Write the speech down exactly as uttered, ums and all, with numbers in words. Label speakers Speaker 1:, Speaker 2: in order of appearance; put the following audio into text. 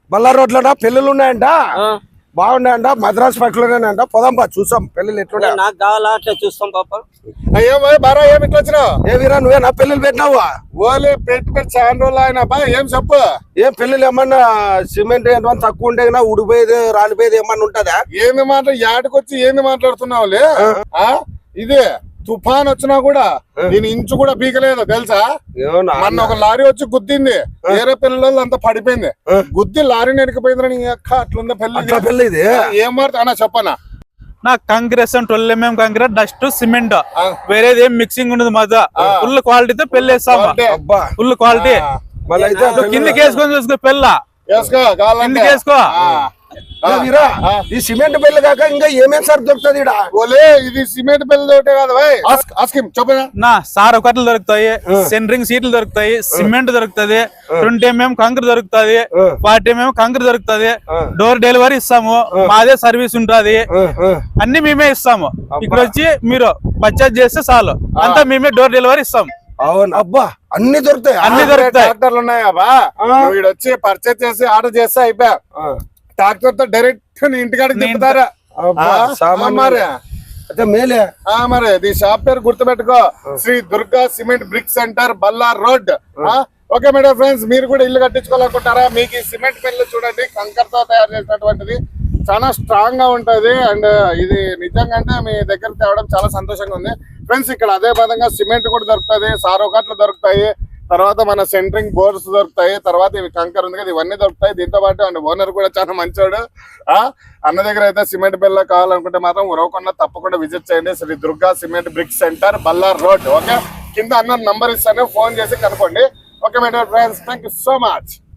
Speaker 1: బల్లా రోడ్లో పెళ్ళిళ్ళు ఉన్నాయంట, బాగున్నాయంట. మద్రాస్ పక్కలోనేనంట. పోదాంపా చూసాం పెళ్ళిళ్ళు ఎట్లున్నాయి.
Speaker 2: నాకు కావాలా అట్లా చూస్తాం పాప.
Speaker 3: అయ్యో బారా ఏమి ఇట్లా వచ్చినావు?
Speaker 1: ఏ వీరా నువ్వే నా పెళ్ళిళ్ళు పెట్టినావా?
Speaker 3: ఓలే పెట్టి పెట్టి చాలా రోజులు ఆయన బా ఏం చెప్పు.
Speaker 1: ఏం పెళ్ళిళ్ళు ఏమన్నా సిమెంట్ ఏమన్నా తక్కువ ఉంటే ఉడిపోయేది రాలిపోయేది ఏమన్నా ఉంటదా?
Speaker 3: ఏంది మాట యాడికొచ్చి ఏంది మాట్లాడుతున్నావులే? ఇదే తుఫాన్ వచ్చినా కూడా దీని ఇంచు కూడా పీకలేదు తెలుసా. మొన్న ఒక లారీ వచ్చి గుద్దింది, వేరే పిల్లలు అంతా పడిపోయింది. గుద్ది లారీని ఎడికిపోయింది. నీ అక్క అట్లుందా పెళ్లి
Speaker 1: పెళ్ళి ఇది?
Speaker 3: ఏం మాట అన్నా చెప్పనా?
Speaker 4: నా కాంగ్రెస్ ట్వెల్వ్ ఎంఎం కాంగ్రెస్ డస్ట్ సిమెంట్ వేరేది ఏం మిక్సింగ్ ఉండదు. మజా ఫుల్ క్వాలిటీతో పెళ్లి వేస్తాం. ఫుల్ క్వాలిటీ కిందకి వేసుకొని చూసుకో పెళ్ళ
Speaker 3: వేసుకో కావాలంటే
Speaker 4: వేసుకో.
Speaker 1: వీరా ఈ సిమెంట్ పెళ్లి కాక ఇంకా ఏమేమి సార్ దొరుకుతుంది?
Speaker 3: ఓలే ఇది సిమెంట్ పెళ్లి ఒకటే కాదు చెప్పనా.
Speaker 4: నా సార్ ఒకట్లు దొరుకుతాయి, సెంటరింగ్ సీట్లు దొరుకుతాయి, సిమెంట్ దొరుకుతుంది, ట్వంటీ ఎంఎం కంకర దొరుకుతుంది, ఫార్టీ ఎంఎం కంకర దొరుకుతుంది. డోర్ డెలివరీ ఇస్తాము, మాదే సర్వీస్ ఉంటది, అన్ని మేమే ఇస్తాము. ఇక్కడ వచ్చి మీరు పర్చేజ్ చేస్తే చాలు, అంతా మేమే డోర్ డెలివరీ ఇస్తాము.
Speaker 1: అవును అబ్బా, అన్ని దొరుకుతాయి.
Speaker 4: అన్ని దొరుకుతాయి.
Speaker 3: ట్రాక్టర్లు ఉన్నాయా బా? వీడు వచ్చి పర్చేజ్ చేసి ఆర్డర్ చేస్తే అయిపోయా. ట్రాక్టర్ తో డైరెక్ట్ నీ ఇంటికాడికి తిప్పుతారా మరి?
Speaker 1: అయితే మేలే.
Speaker 3: మరి ఈ షాప్ పేరు గుర్తుపెట్టుకో, Shri Durga cement brick centre, Bellary road. Okay madam friends, మీరు కూడా ఇల్లు కట్టించుకోవాలనుకుంటారా? మీకు ఈ సిమెంట్ పెళ్లి చూడండి, కంకరతో తయారు చేసినటువంటిది, చాలా స్ట్రాంగ్ గా ఉంటది. అండ్ ఇది నిజంగా అంటే మీ దగ్గర తేవడం చాలా సంతోషంగా ఉంది ఫ్రెండ్స్. ఇక్కడ అదే విధంగా సిమెంట్ కూడా దొరుకుతుంది, సారోకట్లు దొరుకుతాయి, తర్వాత మన సెంటరింగ్ బోర్డ్స్ దొరుకుతాయి, తర్వాత ఇవి కంకర్ ఉంది కదా ఇవన్నీ దొరుకుతాయి. దీంతో పాటు అండ్ ఓనర్ కూడా చాలా మంచోడు. ఆ అన్న దగ్గర అయితే సిమెంట్ బిల్ల కావాలనుకుంటే మాత్రం ఉరవకుండా తప్పకుండా విజిట్ చేయండి. Shri Durga cement brick centre, Bellary road. Okay, కింద అన్న నంబర్ ఇస్తాను, ఫోన్ చేసి కనుక్కోండి. Okay madam friends, thank you so much.